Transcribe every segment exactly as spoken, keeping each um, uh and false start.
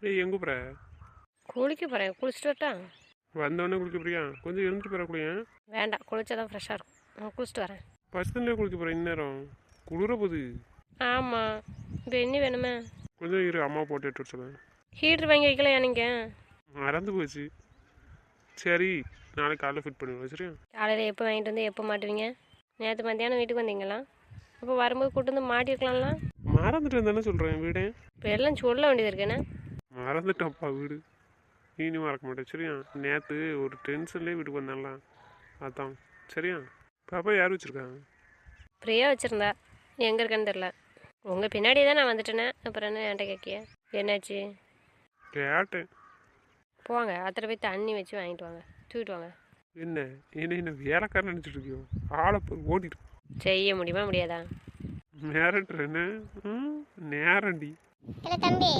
ஏய் எங்கே போகிற? குளிக்க போகிறேன். குளிச்சுட்டு வரட்டா? வந்தவொடனே குளிக்க போறியா? கொஞ்சம் இருந்துட்டு போகிற குளியா? வேண்டாம், குளிச்சா தான் ஃப்ரெஷ்ஷாக இருக்கும். நான் குளிச்சுட்டு வரேன். ஃபஸ்ட் தண்ணியே குளிக்க போகிறேன் இந்நேரம். குளிர போகுது. ஆமாம், இப்போ என்ன வேணுமே? கொஞ்சம் இரு, அம்மா போட்டு எடுத்து சொல்லுவேன். ஹீட்ரு வாங்கி வைக்கலையா நீங்கள்? மறந்து போச்சு. சரி, நாளைக்கு காலையில் ஃபிட் பண்ணுவேன். சரியா? காலையில் எப்போ வாங்கிட்டு வந்து எப்போ மாட்டுவீங்க? நேற்று மத்தியானம் வீட்டுக்கு வந்தீங்களா? அப்போ வரும்போது கூட்டு வந்து மாட்டிருக்கலாம்ல. மறந்துட்டேன் தானே சொல்கிறேன் வீடு. இப்போ எல்லாம் சொல்ல வேண்டியது இருக்கேண்ணே. மறந்துட்டேன்ப்பா வீடு. இனி மறக்க மாட்டேன். சரியா? நேற்று ஒரு டென்ஷன்லேயே வீட்டுக்கு வந்தான்லாம், அதான். சரியா? பாப்பா யார் வச்சுருக்காங்க? ஃப்ரீயாக வச்சுருந்தா எங்கே இருக்கேன்னு தெரில. உங்கள் பின்னாடியே தான் நான் வந்துட்டேனே, அப்புறம் என்ன என்கிட்ட கேட்கிய? என்னாச்சு? கேட்டேன். போங்க, அத்தனை போய் தண்ணி வச்சு வாங்கிட்டு வாங்க, தூக்கிட்டு வாங்க. என்ன என்ன என்ன வேலைக்காரன் நினச்சிட்டு இருக்கியோ? ஆளை போய் ஓடிட்டு செய்ய முடியுமா முடியாதா? நேரன்ற என்ன? ம் நேரண்டி. இல்லை தம்பி,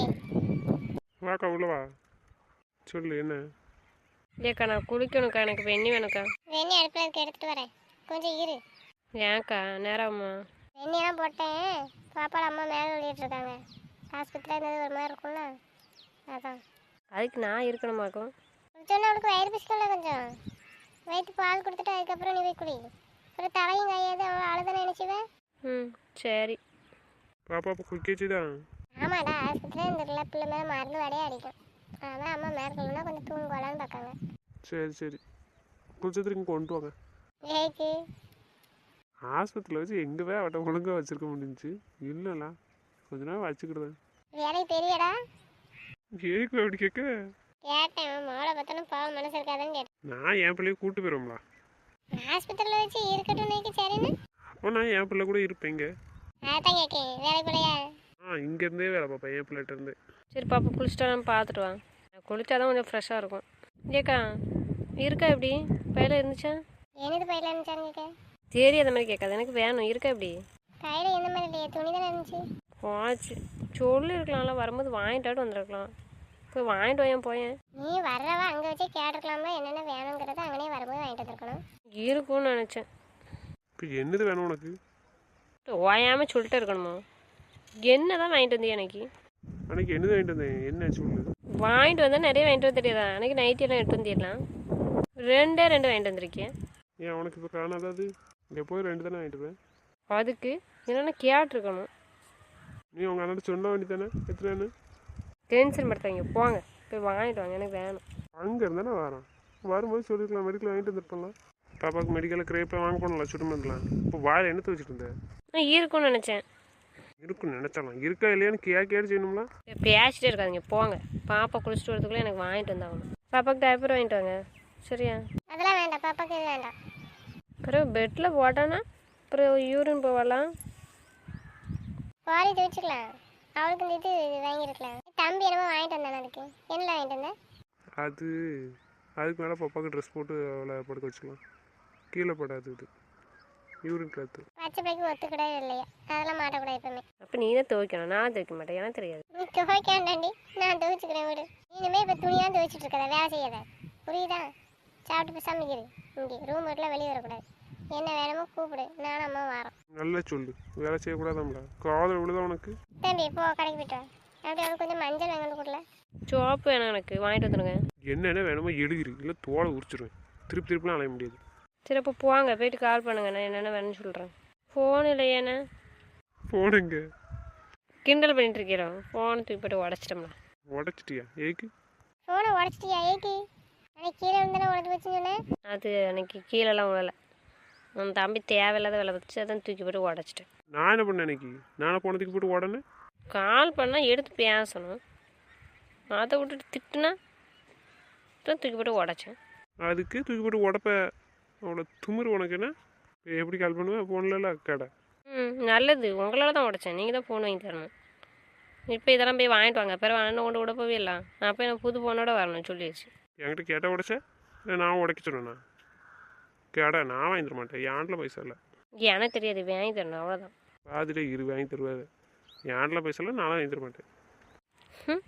வாக்கா உள்ளவா. சொல்லு என்ன? ஏக்கா நான் குளிக்கணுக்கா, எனக்கு வெண்ணி வேணுக்கா. வெண்ணி அடுப்பில் இருக்க எடுத்துகிட்டு வரேன், கொஞ்சம் இரு. ஏன்க்கா நேரம்மா? வெண்ணியெல்லாம் போட்டேன். பாப்பாவில் அம்மா மேலே விளையாட்டு இருக்காங்க. ஆஸ்பத்திரியில் இருந்தது ஒரு மாதிரி இருக்கும்ல, அதான். அதுக்கு நான் இருக்கணுமாக்கும்? குடிச்சோன்னா அவளுக்கு வயிறு பிசிக்கல, கொஞ்சம் வயிற்று பால் கொடுத்துட்டு அதுக்கப்புறம் நீ போய் குடி. அப்புறம் தலையும் கையாது அவள் அழுதானே நினச்சிவேன். ம் சரி. பாப்பா இப்போ குளிக்கச்சு தான். ஆமாடா, ஆஸ்பத்திரியில் இருந்துருல, பிள்ளை மேலே மருந்து வடையே அடிக்கும். அதான் அம்மா மேற்கொள்ளனா கொஞ்சம் தூங்குவாளான்னு பார்க்காங்க. சரி சரி, குளிச்சதுக்கு இங்கே கொண்டு வாங்க. ஏக்கு ஆஸ்பத்திரியில் வச்சு எங்கவே அவட்ட ஒழுங்காக வச்சுருக்க முடிஞ்சிச்சு. இல்லைல்ல, கொஞ்ச நேரம் வச்சுக்கிடுவேன். வேலைக்கு தெரியடா. ஏக்கு அப்படி கேட்க? கேட்டேன், மோளை பார்த்தாலும் பாவம் மனசு இருக்காதுன்னு கேட்டேன். நான் என் பிள்ளைய கூப்பிட்டு போயிடுவோம்ல. ஆஸ்பத்திரியில் வச்சு இருக்கட்டும் நீக்கு சரின்னு. அப்போ நான் என் பிள்ளை கூட இருப்பேன் இங்கே. அதான் கேட்கேன், வேலைக்கு போலையா? ஆ இங்கேருந்தே வேலை பார்ப்பேன் என் பிள்ளைகிட்ட இருந்து. சரி பாப்பா, குளிச்சுட்டா நான் பார்த்துட்டு வாங்க. நான் குளிச்சா தான் கொஞ்சம் ஃப்ரெஷ்ஷாக இருக்கும். ஏக்கா இருக்கா எப்படி? பையில இருந்துச்சா? என்னது பையில இருந்துச்சான்னு கேட்க? சரி, அந்த மாதிரி கேட்காது, எனக்கு வேணும். இருக்கா எப்படி? கையில் எந்த மாதிரி இல்லையே, துணி தானே இருந்துச்சு. ஆச்சு, சொல்லி இருக்கலாம்ல, வரும்போது வாங்கிட்டாட்டு வந்துருக்கலாம். போய் வாங்கிட்டு வாயன் போயேன். நீ வர்றவா அங்கே வச்சே கேட்டுருக்கலாமா என்னென்ன வேணுங்கிறத அங்கனே வரும்போது வாங்கிட்டு வந்துருக்கணும். இருக்கும்னு நினச்சேன். இப்போ என்னது வேணும் உனக்கு? ஓயாமல் சொல்லிட்டு இருக்கணுமோ? என்ன தான் வாங்கிட்டு வந்தீங்க எனக்கு? அன்னைக்கு என்னது வாங்கிட்டு வந்தேன், என்ன சொல்லு. வாங்கிட்டு வந்தால் நிறைய வாங்கிட்டு வந்து தெரியாதா? அன்றைக்கி நைட்டி எல்லாம் எடுத்து வந்துடலாம். ரெண்டே ரெண்டு வாங்கிட்டு வந்திருக்கேன். ஏன் உனக்கு இப்போ காணாதாது? இங்கே போய் ரெண்டு தானே வாங்கிட்டு போவேன். அதுக்கு என்னென்னா கேட்டிருக்கணும். நீ உங்கள் அண்ணன் சொல்ல வேண்டி தானே எத்தனை? டென்ஷன் படுத்தாங்க, போங்க போய் வாங்கிட்டு வாங்க, எனக்கு வேணும். அங்கே இருந்தானே வரோம், வரும்போது சொல்லிருக்கலாம், மெடிக்கல் வாங்கிட்டு வந்துருப்பலாம். பாப்பாவுக்கு மெடிக்கலில் கிரேப்பை வாங்க போனல, சுடுமந்தலாம். இப்போ வாயில் என்னத்தை வச்சுட்டு இருந்தேன்? நான் இருக்கும்னு நினச்சேன். இருக்குன்னு நினச்சாலாம், இருக்கா இல்லையான்னு கே கேட்டு செய்யணும்ல. பேசிட்டே இருக்காதிங்க, போங்க. பாப்பா குளிச்சுட்டு வரதுக்குள்ளே எனக்கு வாங்கிட்டு வந்தாகணும். பாப்பாவுக்கு டைப்பர் வாங்கிட்டு வாங்க, சரியா? அதெல்லாம் வேண்டாம், பாப்பாக்கு இது வேண்டாம். அப்புறம் பெட்டில் போட்டானா அப்புறம் யூரின் போகலாம். பாரி துவச்சிக்கலாம், அவளுக்கு இந்த இது வாங்கியிருக்கலாம். தம்பி என்னமோ வாங்கிட்டு வந்தானே, அதுக்கு என்ன வாங்கிட்டு வந்தேன்? அது அதுக்கு மேலே பாப்பாவுக்கு ட்ரெஸ் போட்டு அவளை படுக்க வச்சுக்கலாம், கீழே படாது. இது யூரின் கிளாத்து. பச்சை பிள்ளைக்கு ஒத்துக்கூடாது இல்லையா, அதெல்லாம் மாட்டக்கூடாது எப்பவுமே. அப்போ நீ தான் துவைக்கணும், நான் துவைக்க மாட்டேன், எனக்கு தெரியாது. நீ துவைக்காண்டாண்டி, நான் துவைச்சிக்கிறேன் விடு. இனிமேல் இப்போ துணியாக துவைச்சிட்டு இருக்கதா, வேலை செய்யாத, புரியுதா? சாப்பிட்டு போய் சமைக்கிறேன். இங்கே ரூம் வீட்டில் வெளியே வரக்கூடாது. என்ன வேணுமோ கூப்பிடு, நானும் அம்மா வரோம். நல்லா சொல்லு, வேலை செய்யக்கூடாதாம்ல, காதல் விழுதா உனக்கு? தம்பி போ, கடைக்கு போய்ட்டு வா. அப்படி அவளுக்கு கொஞ்சம் மஞ்சள் வாங்கி கொடுக்கல. சோப்பு வேணும் எனக்கு, வாங்கிட்டு வந்துடுங்க. என்னென்ன வேணுமோ எழுதிரு, இல்லை தோலை உரிச்சிருவேன். திருப்பி திருப்பிலாம் அலைய முடியாது. சரி அப்போ போங்க, போயிட்டு கால் பண்ணுங்க, நான் என்னென்ன வேணும்னு சொல்கிறேன். ஃபோன் இல்லையாண்ணே? போனுங்க. கிண்டல் பண்ணிட்டு இருக்கிறோம், ஃபோனை தூக்கி போட்டு உடச்சிட்டோம்ல. உடச்சிட்டியா? ஏக்கு ஃபோனை உடச்சிட்டியா? ஏக்கு அன்னைக்கு கீழே இருந்தானே உடச்சி வச்சுன்னு சொன்னேன். அது அன்னைக்கு கீழெல்லாம் விழலை, உன் தம்பி தேவையில்லாத வேலை வச்சு அதான் தூக்கி போட்டு உடச்சிட்டேன். நான் என்ன பண்ணேன் அன்னைக்கு? நானே போனதுக்கு போட்டு உடனே கால் பண்ணால் எடுத்து பேசணும், அதை விட்டுட்டு திட்டுனா தான் தூக்கி போட்டு உடச்சேன். அதுக்கு தூக்கி போட்டு உடப்ப அவ்வளோ துமுறு உனக்கு என்ன? எப்படி கால் பண்ணுவேன்? ஃபோன்ல கடை. ம் நல்லது, உங்களால் தான் உடச்சேன், நீங்கள் தான் ஃபோன் வாங்கி தரணும். இப்போ இதெல்லாம் போய் வாங்கிட்டு வாங்க, பிறகு அண்ணன் கொண்டு விட போவே இல்லை. நான் போய் நான் புது ஃபோனோட வரணும் சொல்லிடுச்சு. என்கிட்ட கேட்டால் உடச்ச? இல்லை நான் உடைக்க சொன்னேண்ணா? கேடா நான் வாங்கி தர மாட்டேன், என்கிட்ட பைசா இல்லை. எனக்கு தெரியாது, வாங்கி தரணும் அவ்வளோதான். பாதிலே இரு வாங்கி தருவாரு. என்கிட்ட பைசா இல்லை, நானும் வாங்கி தர மாட்டேன். ம்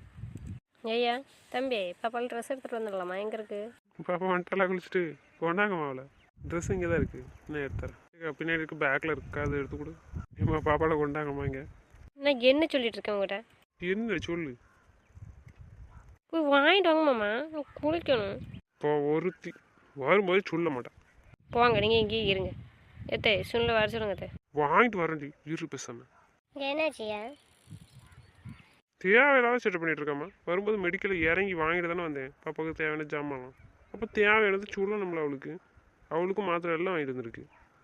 ஐயா தம்பி, பாப்பாவில் ட்ரெஸ் எடுத்துகிட்டு வந்துடலாமா? எங்கே இருக்குது? பாப்பா வந்துட்டாலாம் குளிச்சுட்டு கொண்டாங்கம்மா. அவளை ட்ரெஸ் இங்கே தான் இருக்குது, இன்னும் எடுத்துறேன். பின்னாடி இருக்குது, பேக்கில் இருக்குது, அதை எடுத்து கொடு. ஏம்மா பாப்பாவில் கொண்டாங்கம்மா இங்கே. நான் என்ன சொல்லிட்டு இருக்கேன் உங்கள்கிட்ட? என்ன சொல்லு? போய் வாங்கிட்டு வாங்க மாமா நான் குளிக்கணும். இப்போ ஒருத்தி வரும்போது சொல்ல மாட்டேன். போங்க நீங்கள் இங்கேயே இருங்க. எத்தே சுனில் வர சொல்லுங்க அத்தை. வாங்கிட்டு வரேன்டி இரு பேசாம. என்னாச்சியா? தேவையில்லாத செட்டப் பண்ணிட்டு இருக்காமா. வரும்போது மெடிக்கலில் இறங்கி வாங்கிட்டு தானே வந்தேன் பாப்பாவுக்கு தேவையான ஜாமான்லாம். அப்போ தேவையானது சொல்லணும்ல அவளுக்கு. அவளுக்கும் மாத்திரை எல்லாம் வாங்கிட்டு வந்துருக்கு.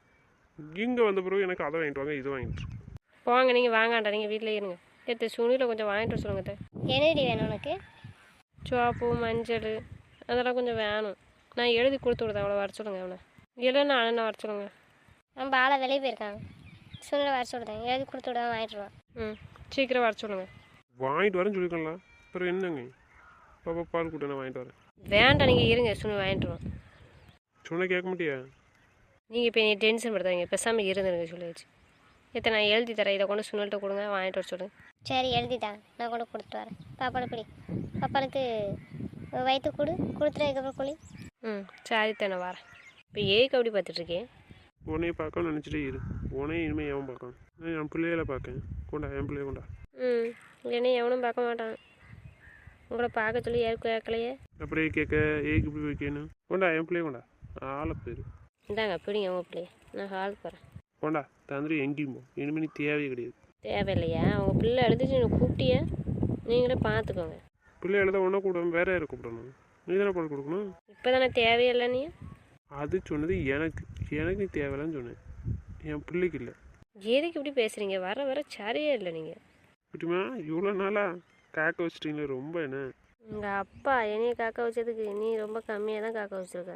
இங்கே வந்த பிறகு எனக்கு அதை வாங்கிட்டு வாங்க இதை வாங்கிட்டு இருக்கு. போங்க நீங்கள் வாங்காண்டா நீங்கள் வீட்டில் இருங்க. எத்தே சுனியில் கொஞ்சம் வாங்கிட்டு வர சொல்லுங்க அத்தை. என்னடி வேணும் உனக்கு? சோப்பு மஞ்சள் அதெல்லாம் கொஞ்சம் வேணும். நான் எழுதி கொடுத்து விடுதேன் அவளை வர சொல்லுங்க. அவனை இல்லைன்னா அண்ணனை வர சொல்லுங்க. நம்ம ஆளை வெளியே போயிருக்காங்க. சுனில் வர சொல்லுதேன், எழுதி கொடுத்து விட வாங்கிட்டுருவான். ம் சீக்கிரம் வர சொல்லுங்கள். வாங்கிட்டு வரேன்னு சொல்லிக்கலாம். அப்புறம் என்னங்க பாப்பா பால் கூட்ட நான் வாங்கிட்டு வரேன். வேண்டாம் நீங்கள் இருங்க சுனில் வாங்கிட்டு வாங்க. சொன்ன கேட்க மாட்டியா? நீங்கள் இப்போ நீ டென்ஷன் படுத்தாங்க பேசாமல் இருந்துருங்க சொல்லி வச்சு. எத்தனை நான் எழுதி தரேன், இதை கொண்டு சுனில்கிட்ட கொடுங்க வாங்கிட்டு வர சொல்லுங்க. சரி எழுதிட்டான், நான் கொண்டு கொடுத்துட்டு வரேன். பாப்பாளுக்கு பிடி, பாப்பாளுக்கு வயிற்று கொடு, கொடுத்துட்டு அதுக்கப்புறம் குழி. ம் சரி தானே வரேன். இப்போ ஏக்கு அப்படி பார்த்துட்ருக்கேன். உன்னைய பார்க்க நினச்சிட்டே இரு. உனையும் இனிமேல் எவன் பார்க்கான்? நான் என் பிள்ளையில பார்க்கேன். கொண்டா என் பிள்ளைய கொண்டா. ம் இல்லைன்னா எவனும் பார்க்க மாட்டான். உங்களை பார்க்க சொல்லி ஏற்கு கேட்கலையே. அப்படியே கேட்க ஏக்கு இப்படி வைக்கணும். கொண்டா என் பிள்ளைய கொண்டா. ஆளை பேர் இந்தாங்க பிடிங்க உங்கள் பிள்ளைய. நான் ஹாலுக்கு போகிறேன். கொண்டா தந்திரி எங்கேயும் போ. இனிமேல் நீ தேவையே கிடையாது. தேவையில்லையா? உங்கள் பிள்ளை எழுதிச்சு எனக்கு கூப்பிட்டியே, நீங்களே பார்த்துக்கோங்க. பிள்ளை எழுத ஒன்றா கூப்பிடாம வேற யாரை கூப்பிடணும்? நீ தானே பால் கொடுக்கணும். இப்போ தானே தேவையில்லை நீ. அது சொன்னது எனக்கு. எனக்கு நீ தேவையில்லன்னு சொன்னேன், என் பிள்ளைக்கு இல்லை. எதுக்கு இப்படி பேசுகிறீங்க? வர வர சரியே இல்லை நீங்கள். குட்டிமா இவ்வளோ நாளாக காக்க வச்சிட்டீங்களே ரொம்ப என்ன? உங்கள் அப்பா என்னைய காக்க வச்சதுக்கு நீ ரொம்ப கம்மியாக தான் காக்க வச்சுருக்க.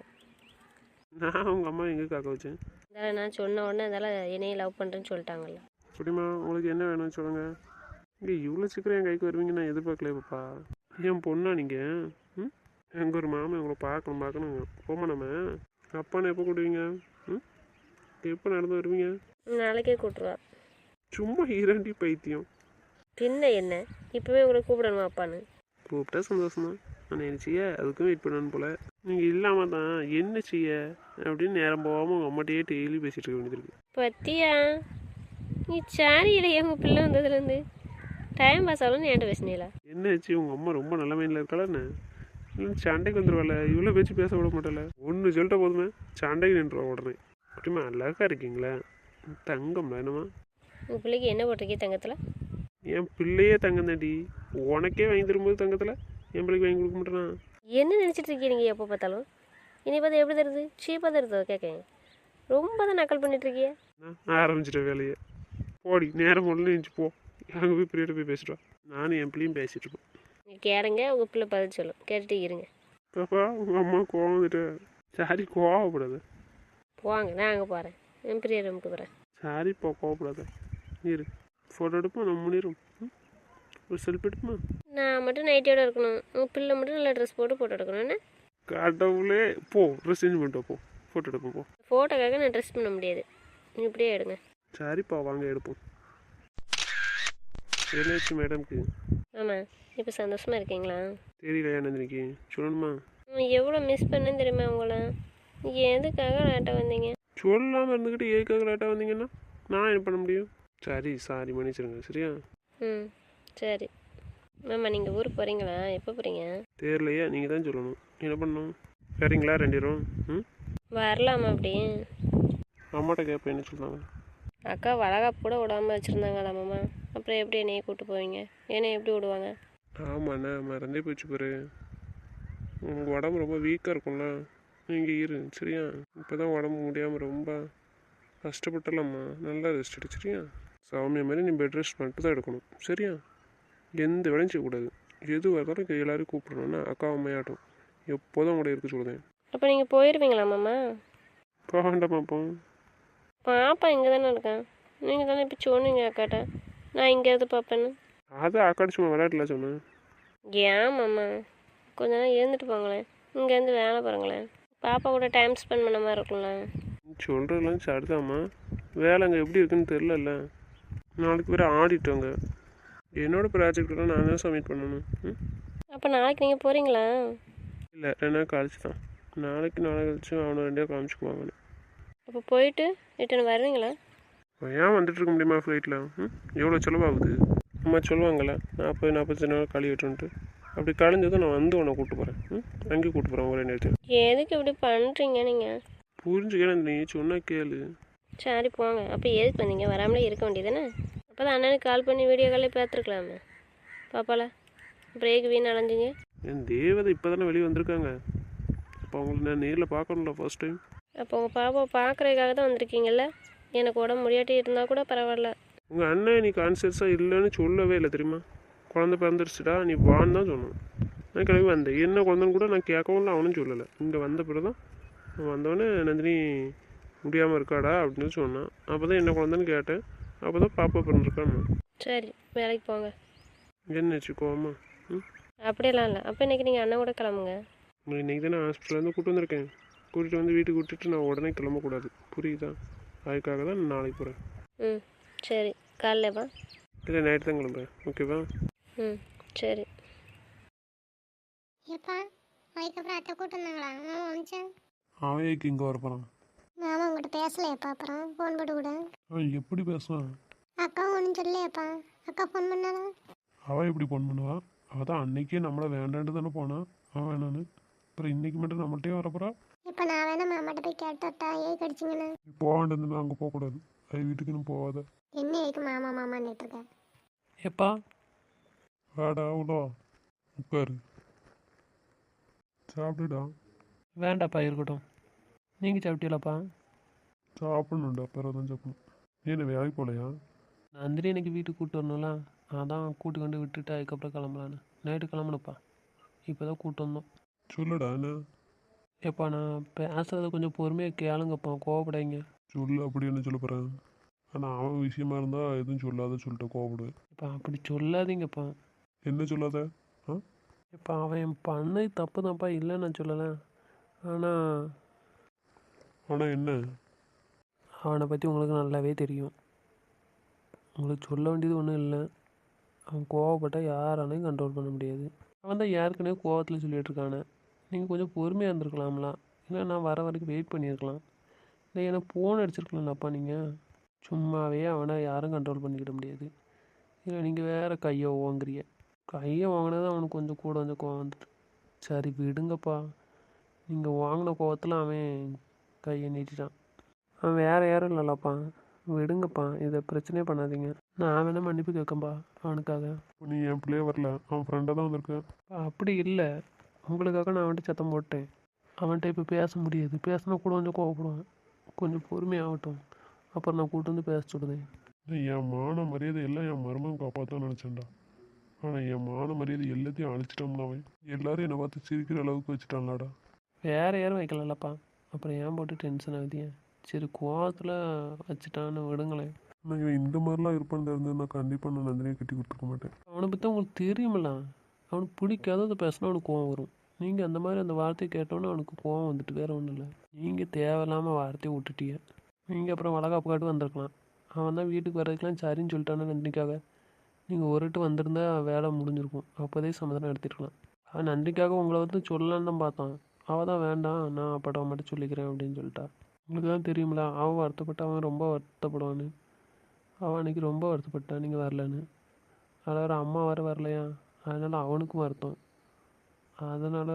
நான் உங்கள் அம்மா எங்கே காக்க வச்சேன்? அதனால் நான் சொன்ன உடனே அதனால் என்னையை லவ் பண்ணுறேன்னு சொல்லிட்டாங்கல்ல. குட்டிமா உங்களுக்கு என்ன வேணும்னு சொல்லுங்கள். இங்கே இவ்வளோ சீக்கிரம் என் கைக்கு வருவீங்க நான் எதிர்பார்க்கல பாப்பா. என் பொண்ணா நீங்கள்? ம் எங்கள் ஒரு மாமன் உங்களை பார்க்கணும் பார்க்கணும் போமா. நம்ம அப்பான்னு எப்போ கூடுவீங்க? ம் எப்போ நடந்து வருவீங்க? நாளைக்கே கூப்பிட்ருவா. சும்மா இரண்டி பைத்தியம். பின்ன என்ன இப்போவே உங்களை கூப்பிடணுமா அப்பான்னு? கூப்பிட்டா சந்தோஷம்தான். ஆனால் என்ன செய்ய அதுக்கும் வெயிட் பண்ணணும் போல். நீங்கள் இல்லாமல் தான் என்ன செய்ய அப்படின்னு நேரம் போகாமல் உங்கள் அம்மாட்டையே டெய்லி பேசிகிட்டு இருக்க வேண்டியது இருக்குது. பத்தியா நீ சாரி இல்லையா உங்கள் பிள்ளை வந்ததுலேருந்து டைம் பாஸ் ஆகலன்னு என்கிட்ட பேசினீங்களா? என்ன ஆச்சு உங்கள் அம்மா ரொம்ப நல்ல மைண்டில் இருக்காளா என்ன? இல்லை சண்டைக்கு வந்துடுவாள். இவ்வளோ பேச்சு பேச விட மாட்டாள. ஒன்று சொல்லிட்ட போதுமே சண்டைக்கு நின்றுவா உடனே. அப்படிமா அழகாக இருக்கீங்களா? தங்கம் வேணுமா? உங்கள் பிள்ளைக்கு என்ன போட்டிருக்கே தங்கத்தில்? என் பிள்ளையே தங்கம் தாண்டி. உனக்கே வாங்கி தரும்போது தங்கத்தில் என் பிள்ளைக்கு வாங்கி கொடுக்க மாட்டேனா? என்ன நினச்சிட்டு இருக்கீங்க நீங்கள் எப்போ பார்த்தாலும்? இனி பார்த்து எப்படி தருது? சீப்பாக தருதோ கேட்கேன். ரொம்ப தான் நக்கல் பண்ணிட்டுருக்கிய. நான் ஆரம்பிச்சிட்ட வேலையை. போடி நேரம் ஒன்று நினச்சி போ. அங்கே போய் பிரியோட போய் பேசிட்டு வா. நானும் என் பிள்ளையும் பேசிட்டு இருப்போம். நீங்கள் கேளுங்க உங்கள் பிள்ளை பதில் சொல்லும், கேட்டுட்டு இருங்க. பாப்பா உங்கள் அம்மா கோவம் வந்துட்டு. சாரி கோவப்படாத. போவாங்க நான் அங்கே போகிறேன். என் பெரிய ரூமுக்கு போகிறேன். சாரிப்பா கோவப்படாத. இரு ஃபோட்டோ எடுப்போம் நம்ம முன்னிரும். ஒரு செல்ஃபி எடுப்போமா? நான் மட்டும் நைட்டியோட இருக்கணும், உங்கள் பிள்ளை மட்டும் நல்லா ட்ரெஸ் போட்டு ஃபோட்டோ எடுக்கணும். என்ன கடவுளே போ ட்ரெஸ் சேஞ்ச் பண்ணிட்டு போ ஃபோட்டோ எடுப்போம் போ. ஃபோட்டோக்காக நான் ட்ரெஸ் பண்ண முடியாது, நீ இப்படியே எடுங்க. சரிப்பா வாங்க எடுப்போம். என்னாச்சு மேடம்க்கு? ஆமாம் இப்போ சந்தோஷமாக இருக்கீங்களா? தெரியலையா நந்தினிக்கு சொல்லணுமா? எவ்வளோ மிஸ் பண்ணேன்னு தெரியுமா உங்களை? எதுக்காக லேட்டாக வந்தீங்க? சொல்லாமல் இருந்துக்கிட்டு ஏற்காக லேட்டாக வந்தீங்கன்னா நான் என்ன பண்ண முடியும்? சரி சாரி மன்னிச்சிருங்க சரியா? ம் சரி. மாமா நீங்கள் ஊருக்கு போகிறீங்களா? எப்போ போகிறீங்க? தெரியலையா நீங்கள் தான் சொல்லணும். என்ன பண்ணணும்? சரிங்களா ரெண்டு பேரும்? ம் வரலாமா அப்படி? அம்மாட்ட கேட்பேன் என்ன சொன்னாங்க. அக்கா வளகாப்பு கூட விடாமல் வச்சுருந்தாங்களா மாமா? அப்புறம் எப்படி என்னையை கூப்பிட்டு போவீங்க? என்னை எப்படி விடுவாங்க? ஆமாண்ணா மறந்தே போச்சு பாரு. உங்கள் உடம்பு ரொம்ப வீக்காக இருக்கும்ல, நீங்கள் இரு சரியா? இப்போ தான் உடம்பு முடியாமல் ரொம்ப கஷ்டப்பட்டலாம்மா. நல்லா ரெஸ்ட் எடு சரியா? சாமியா மாதிரி நீ பெட் ரெஸ்ட் மட்டும் தான் எடுக்கணும் சரியா? எந்த வேலையும் செய்யக்கூடாது. எது வரதாலும் எல்லோரும் கூப்பிடணும்னா அக்கா அம்மையாட்டும் எப்போதும் கூட இருக்க சொல்லுதேன். அப்போ நீங்கள் போயிடுவீங்களா மாமா? போக வேண்டாமாப்போ. பாப்பா இங்கே தானே இருக்கேன். நீங்கள் தானே இப்போ சொன்னீங்க அக்காட்ட நான் இங்கே இருந்து பார்ப்பேன்னு. அதை அக்காடி சும்மா விளையாட்டுல சொன்னேன். ஏன் மாமா கொஞ்ச நேரம் இருந்துட்டு போங்களேன், இங்கேருந்து வேலை பாருங்களேன், பாப்பா கூட டைம் ஸ்பெண்ட் பண்ண மாதிரி இருக்கும்ல. சொல்கிறதெல்லாம் சரிதாம்மா, வேலை அங்கே எப்படி இருக்குன்னு தெரிலல்ல. நாளைக்கு வேறு ஆடிட்டோங்க. என்னோடய ப்ராஜெக்டெல்லாம் நான் தான் சப்மிட் பண்ணணும். ம் அப்போ நாளைக்கு நீங்கள் போகிறீங்களா? இல்லை ரெண்டு நாள் கழிச்சு தான். நாளைக்கு நாளை கழிச்சு அவனை ரெண்டே காமிச்சுக்குவாங்கன்னு. அப்போ போயிட்டு ரிட்டர்ன் வருவீங்களா? ஏன் வந்துட்டு இருக்க முடியுமா ஃப்ளைட்டில்? ம் எவ்வளோ செலவாகுது? அம்மா சொல்லுவாங்கள்ல நாற்பது நாற்பத்தஞ்சு நாள் கழி விட்டுன்ட்டு. அப்படி கலைஞ்சதும் நான் வந்து உன்னை கூப்பிட்டு போகிறேன். ம் அங்கேயும் கூப்பிட்டு போகிறேன் ஒரே நேரத்தில். எதுக்கு இப்படி பண்ணுறீங்க நீங்கள்? புரிஞ்சுக்கிறேன், நீ சொன்னா கேளு. சரி போங்க. அப்போ எதுக்கு வந்தீங்க? வராமலே இருக்க வேண்டியதானே? அப்போ தான் அண்ணனுக்கு கால் பண்ணி வீடியோ காலில் பார்த்துருக்கலாமே. பாப்பால அப்புறம் ஏக்கு வீண் அலைஞ்சிங்க? என் தேவதை இப்போ தானே வெளியே வந்திருக்காங்க. அப்போ அவங்களுக்கு நான் நேரில் பார்க்கணும்ல ஃபர்ஸ்ட் டைம். அப்போ உங்கள் பாப்பா பார்க்குறதுக்காக தான் வந்திருக்கீங்கல்ல. எனக்கு உடம்பு முடியாட்டி இருந்தால் கூட பரவாயில்ல. உங்கள் அண்ணன் நீ கான்சியஸாக இல்லைன்னு சொல்லவே இல்லை தெரியுமா? குழந்தை பிறந்துருச்சுடா நீ வான்னு தான் சொன்னான். நான் கிளம்பி வந்தேன். என்ன குழந்தைன்னு கூட நான் கேட்கவும் இல்லை, அவனும் சொல்லலை. இங்கே வந்த பிறகு தான் வந்தவொடனே நந்தினி முடியாமல் இருக்காடா அப்படின்னு சொன்னான். அப்போ தான் என்ன குழந்தைன்னு கேட்டேன். அப்போ தான் பாப்பா பிறந்திருக்கான்னு. சரி வேலைக்கு போங்க. என்ன வச்சுக்கோமா? ம் அப்படியெல்லாம் இல்லை. அப்போ இன்றைக்கி நீங்கள் அண்ணன் கூட கிளம்புங்க. உங்களை இன்றைக்கி தான் நான் ஹாஸ்பிட்டலேருந்து கூப்பிட்டு வந்திருக்கேன். கூட்டிகிட்டு வந்து வீட்டுக்கு விட்டுட்டு நான் உடனே கிளம்பக்கூடாது, புரியுதா? அதுக்காக தான் நான் நாளைக்கு போகிறேன். ம் சரி காலைல வா. இல்லை நைட்டு தான் கிளம்புறேன், ஓகேவா? ம் சரி. ஏப்பா அதுக்கப்புறம் அத்தை கூட்டு வந்தாங்களா? மாமா வந்துச்சா? அவைக்கு இங்கே வரப்போகிறான். மாமா உங்கள்கிட்ட பேசலையாப்பா? அப்புறம் ஃபோன் போட்டு கூட அவன் எப்படி பேசுவான்? அக்கா ஒன்றும் சொல்லலையாப்பா? அக்கா ஃபோன் பண்ணாதா? அவள் எப்படி ஃபோன் பண்ணுவா? அவள் தான் அன்னைக்கே நம்மளை வேண்டான்ட்டு தானே போனான். அவன் வேணான்னு அப்புறம் இன்றைக்கி மட்டும் நம்மள்கிட்டயே வரப்போறா. இப்போ நான் வேணா மாமாட்ட போய் கேட்டா ஏன் கடிச்சிங்கண்ணா? நீ போக வேண்டியதுன்னு அங்கே போகக்கூடாது. அது வீட்டுக்குன்னு போகாத. என்ன ஏக்கு மாமா மாமான்னு இருக்கேன்? எப்பா வாடா உள்ள உட்காரு, சாப்பிடுடா. வேண்டாப்பா இருக்கட்டும். நீங்கள் சாப்பிட்டீங்களாப்பா? சாப்பிடணுண்டா, பிறகு தான் சாப்பிடணும். நீ என்ன வேலைக்கு போகலையா? நந்தினி எனக்கு வீட்டுக்கு கூப்பிட்டு வரணும்ல, அதான் கூட்டு கொண்டு விட்டுட்டு அதுக்கப்புறம் கிளம்பலான்னு. நைட்டு கிளம்பணுப்பா. இப்போ தான் கூப்பிட்டு வந்தோம். சொல்லுடா என்ன எப்பா நான் பேசுகிறத கொஞ்சம் பொறுமையாக கேளுங்கப்பா, கோவப்படாதீங்க. சொல்லு. அப்படி என்ன சொல்ல போகிறேன்? ஆனால் அவன் விஷயமா இருந்தால் எதுவும் சொல்லாத சொல்லிட்டு கோவப்படுவேன். இப்போ அப்படி சொல்லாதீங்கப்பா. என்ன சொல்லாத? ஆ இப்போ அவன் பண்ணது தப்பு தான்ப்பா, இல்லைன்னு நான் சொல்லலை. ஆனால் ஆனால் என்ன? அவனை பற்றி உங்களுக்கு நல்லாவே தெரியும். உங்களுக்கு சொல்ல வேண்டியது ஒன்றும் இல்லை. அவன் கோவப்பட்டால் யாராலையும் கண்ட்ரோல் பண்ண முடியாது. அவன் தான் ஏற்கனவே கோவத்தில் சொல்லிகிட்டு இருக்கானே. நீங்கள் கொஞ்சம் பொறுமையாக இருந்திருக்கலாம்லாம். இல்லை நான் வர வரைக்கும் வெயிட் பண்ணியிருக்கலாம். இல்லை ஏன்னா ஃபோன் அடிச்சிருக்கலாம்லப்பா நீங்கள். சும்மாவே அவனை யாரும் கண்ட்ரோல் பண்ணிக்கிட முடியாது. இல்லை நீங்கள் வேறு கையை ஓங்குறிய. கையை வாங்கினது அவனுக்கு கொஞ்சம் கூட கொஞ்சம் கோவம் வந்துட்டு. சரி விடுங்கப்பா. நீங்கள் வாங்கின கோவத்தில் அவன் கையை நீட்டிட்டான். அவன் வேறு யாரும் இல்லைல்லப்பா. விடுங்கப்பா, இதை பிரச்சனையே பண்ணாதீங்க. நான் வேணால் மன்னிப்பு கேட்கப்பா அவனுக்காக. நீ என் பிள்ளையே வரல, அவன் ஃப்ரெண்டாக தான் வந்திருக்கேன். அப்படி இல்லை, உங்களுக்காக நான் அவன்கிட்ட சத்தம் போட்டேன். அவன்கிட்ட இப்போ பேச முடியாது. பேசினா கூட கொஞ்சம் கோவப்படுவான். கொஞ்சம் பொறுமையாகட்டும், அப்புறம் நான் கூட்டு வந்து பேச சொல்லுதேன். என் மான மரியாதை எல்லாம் என் மருமகன் காப்பாற்றான்னு நினச்சேன்டா. ஆனால் என் மான மரியாதை எல்லாத்தையும் அழிச்சிட்டோம்னா அவன். எல்லாரும் என்னை பார்த்து சிரிக்கிற அளவுக்கு வச்சுட்டான்லாடா. வேறு யாரும் வைக்கலல்லப்பா, அப்புறம் ஏன் போட்டு டென்ஷன் ஆகுதியே. சரி கோவத்தில் வச்சுட்டான்னு விடுங்களேன். நான் இவன் இந்த மாதிரிலாம் இருப்பான்னு தெரிஞ்சது நான் கண்டிப்பாக நான் நந்தினியை கட்டி கொடுத்துருக்க மாட்டேன். அவனை பற்றி உங்களுக்கு தெரியுமில்ல. அவனுக்கு பிடிக்காததை பேசினா அவனுக்கு கோவம் வரும். நீங்கள் அந்த மாதிரி அந்த வார்த்தையை கேட்டோன்னே அவனுக்கு கோவம் வந்துட்டு வேறு ஒன்றும் இல்லை. நீங்கள் தேவையில்லாமல் வார்த்தையை விட்டுட்டீங்க. நீங்கள் அப்புறம் வளகாப்பு காட்டு வந்திருக்கலாம். அவன் தான் வீட்டுக்கு வர்றதுக்கெலாம் சரின்னு சொல்லிட்டானே நந்தினிக்காக. நீங்கள் ஒருட்டு வந்திருந்தா வேலை முடிஞ்சிருக்கும். அப்போதே சமாதானம் எடுத்துருக்கலாம். அவன் நந்தினிக்காக உங்களை வந்து சொல்லலான்னு தான் பார்த்தான். அவள் தான் வேண்டாம், நான் அப்பாட்ட மட்டும் சொல்லிக்கிறேன் அப்படின்னு சொல்லிட்டா. உங்களுக்கு தான் தெரியுமில்ல, அவன் வருத்தப்பட்ட அவன் ரொம்ப வருத்தப்படுவான்னு. அவன் அன்றைக்கி ரொம்ப வருத்தப்பட்டான் நீங்கள் வரலன்னு. அதில் வேறு அம்மா வர வரலையா, அதனால் அவனுக்கும் வருத்தம். அதனால்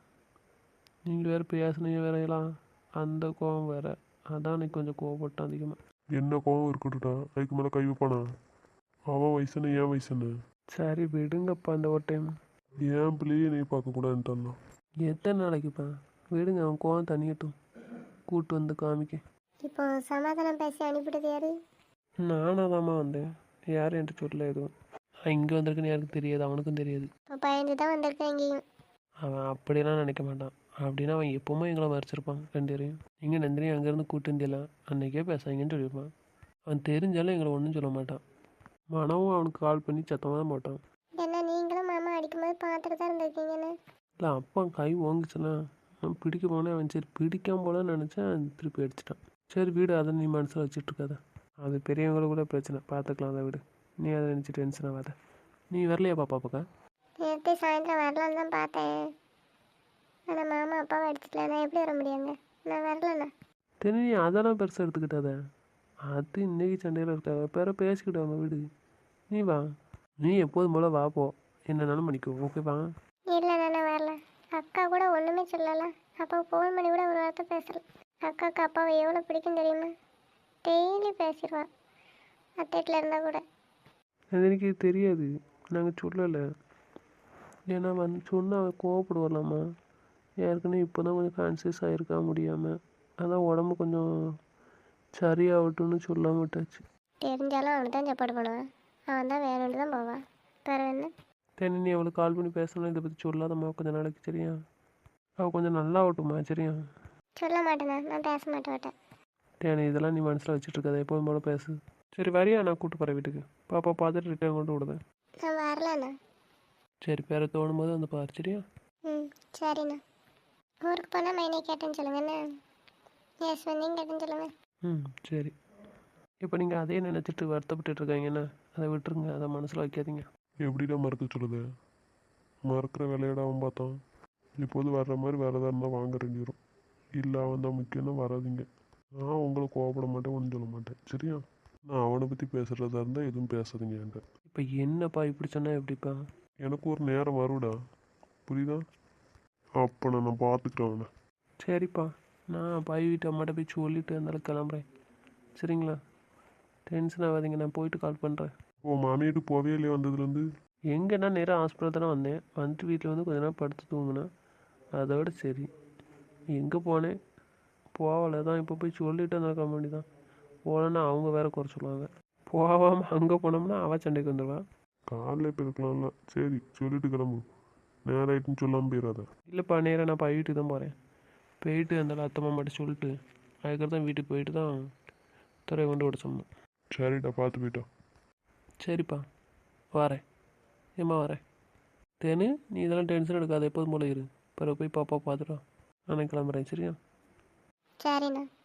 நீங்கள் வேறு பேசுனீங்க வேறையெல்லாம் அந்த கோவம் வேறு. அதான் அன்றைக்கி கொஞ்சம் கோவப்பட்டான் அதிகமாக. என்ன கோவம் இருக்கட்டும்டா, அதுக்கு மேலே கை வைப்பானா? அவன் வயசுன்னு ஏன் வயசுன்னு? சரி விடுங்கப்பா, இந்த ஒரு டைம் ஏன் பிள்ளையே நீ பார்க்கக்கூடாதுன்ட்டான். எத்தனை நாளைக்குப்பா? விடுங்க, அவன் கோவம் தனியட்டும், கூட்டு வந்து காமிக்க. இப்போ சமாதானம் பேசி அனுப்பிட்டது யாரு? நானாக தாம்மா வந்தேன். யாரும் என்கிட்ட சொல்லல எதுவும். நான் இங்கே வந்திருக்குன்னு யாருக்கும் தெரியாது, அவனுக்கும் தெரியாது. இப்போ பயந்து தான் வந்திருக்கேன் இங்கேயும். அவன் அப்படியெல்லாம் நினைக்க மாட்டான். அப்படின்னா அவன் எப்போவுமே எங்களை மறைச்சிருப்பான் ரெண்டு பேரையும். நீங்கள் நந்தினி அங்கேருந்து கூட்டு வந்தியலாம் அன்றைக்கே பேசாங்கன்னு சொல்லியிருப்பான். அவன் தெரிஞ்சாலும் எங்களை ஒன்றும் சொல்ல மாட்டான். மனவும் அவனுக்கு கால் பண்ணி சத்தமாக தான் போட்டான். என்ன நீங்களும் மாமா அடிக்கும்போது பார்த்துட்டு தான் இருந்திருக்கீங்கன்னு? இல்லை அப்பா கை ஓங்குச்சுன்னா நான் பிடிக்க போனேன். அவன் சரி பிடிக்காம போலன்னு நினச்சேன், திருப்பி அடிச்சிட்டான். சரி வீடு, அதை நீ மனசில் வச்சுட்டு இருக்காத. அது பெரியவங்களுக்கு கூட பிரச்சனை, பார்த்துக்கலாம் அதை விடு. நீ அதை நினச்சி டென்ஷன் ஆகாத. நீ வரலையா பாப்பா பக்கம்? நேற்று சாயந்தரம் வரலான்னு தான் பார்த்தேன். ஆனால் மாமா அப்பாவை அடிச்சிட்டல, நான் எப்படி வர முடியாங்க? நான் வரலண்ணா. தெரியும், நீ அதெல்லாம் பெருசாக எடுத்துக்கிட்டாத. அது இன்னைக்கு சண்டையில் இருக்காத, பிற பேசிக்கிட்டு அவங்க வீடு. நீ வா, நீ எப்போதும் போல் வா போ. என்னன்னாலும் பண்ணிக்கோ ஓகேவா? இல்லை நான் வரல. அக்கா கூட ஒன்றுமே சொல்லலை. அப்பா ஃபோன் பண்ணி கூட ஒரு வார்த்தை பேசல. அக்காவுக்கு அப்பாவை எவ்வளோ பிடிக்கும் தெரியுமா? டெய்லி பேசிடுவான் அத்தைட்டில் இருந்தால் கூட. அது எனக்கு தெரியாது, நாங்கள் சொல்லலை. ஏன்னா வந்து சொன்னால் அவன் கோவப்படுவாளாம்மா. ஏற்கனவே இப்போ தான் கொஞ்சம் கான்சியஸ் ஆகிருக்கா முடியாமல், அதான் உடம்பு கொஞ்சம் சரியாகட்டும்னு சொல்லாம விட்டாச்சு. தெரிஞ்சாலும் அவனுக்கு தான் சப்பாடு பண்ணுவான். அவன் தான் வேணும்னு தான் போவான். வேறு என்ன? தென் நீ அவளுக்கு கால் பண்ணி பேசணும், இதை பற்றி சொல்லாதம்மா கொஞ்சம் நாளைக்கு, சரியா? அவள் கொஞ்சம் நல்லா ஆகட்டும்மா, சரியா? சொல்ல மாட்டேண்ணா, நான் பேச மாட்டேன் மாட்டேன். தேனி இதெல்லாம் நீ மனசில் வச்சுட்டு இருக்காத, எப்போதும் போல பேசு. சரி வரியா? நான் கூப்பிட்டு போகிறேன் வீட்டுக்கு. பாப்பா பார்த்துட்டு ரிட்டர்ன் கொண்டு விடுதேன். நான் வரலண்ணா. சரி பேர தோணும் போது வந்து பாரு, சரியா? ம் சரிண்ணா. ஊருக்கு போனால் மைனை கேட்டேன்னு சொல்லுங்கண்ணா. எஸ் வந்தீங்க கேட்டேன்னு சொல்லுங்கள். ம் சரி. இப்போ நீங்கள் அதே நினச்சிட்டு வருத்தப்பட்டு இருக்காங்கன்னா அதை விட்டுருங்க, அதை மனசில் வைக்காதீங்க. எப்படிடா மறக்க சொல்லுது? மறக்கிற வேலையோட அவன் பார்த்தான். இப்போது வர்ற மாதிரி வேறு எதாக இருந்தால் வாங்க ரெண்டு வரும். இல்லை அவன் தான் முக்கியம்னா வராதிங்க. நான் உங்களை கோவப்பட மாட்டேன், ஒன்றும் சொல்ல மாட்டேன், சரியா? நான் அவனை பற்றி பேசுகிறதா இருந்தால் எதுவும் பேசாதீங்க என்கிட்ட. இப்போ என்னப்பா இப்படி சொன்னால் எப்படிப்பா? எனக்கு ஒரு நேரம் வருடா, புரியுதா? அப்போ நான் நான் பார்த்துக்கிறேன் அவனை. சரிப்பா, நான் பாய் வீட்டு அம்மாட்ட போய் சொல்லிட்டு இருந்தாலும் கிளம்புறேன், சரிங்களா? டென்ஷன் ஆகாதீங்க, நான் போயிட்டு கால் பண்ணுறேன். ஓ மாமியாருக்கு போவே இல்லையா வந்ததுலேருந்து? எங்கன்னா நேராக ஹாஸ்பிட்டல் தானே வந்தேன். வந்துட்டு வீட்டில் வந்து கொஞ்ச நேரம் படுத்து தூங்கினேன், அதோட சரி. எங்கே போனேன்? போகலை தான். இப்போ போய் சொல்லிட்டு இருந்தால் கம்பெனி தான். போகலன்னா அவங்க வேற குறை சொல்லுவாங்க. போகாமல் அங்கே போனோம்னா அவள் சண்டைக்கு வந்துடுவான். காலையில் இப்போ இருக்கலாம்ல, சரி சொல்லிட்டு கிளம்பு. நேரம் ஆயிட்டுன்னு சொல்லாமல் போயிடாத. இல்லைப்பா, நேராக நான் பாய் வீட்டுக்கு தான் போகிறேன். போயிட்டு அந்த அத்தை மாமாட்ட சொல்லிட்டு அதுக்கப்புறம் தான் வீட்டுக்கு போயிட்டு தான் துறையை கொண்டு விட சொன்னேன். சரிடா, பார்த்து போயிட்டா. சரிப்பா வரேன். ஏம்மா வரேன். தேனு நீ இதெல்லாம் டென்ஷன் எடுக்காத, எப்போதும் போல இரு. பிறகு போய் பாப்பா பார்த்துட்டோம். நான் கிளம்புறேன், சரியா? சரிண்ணா.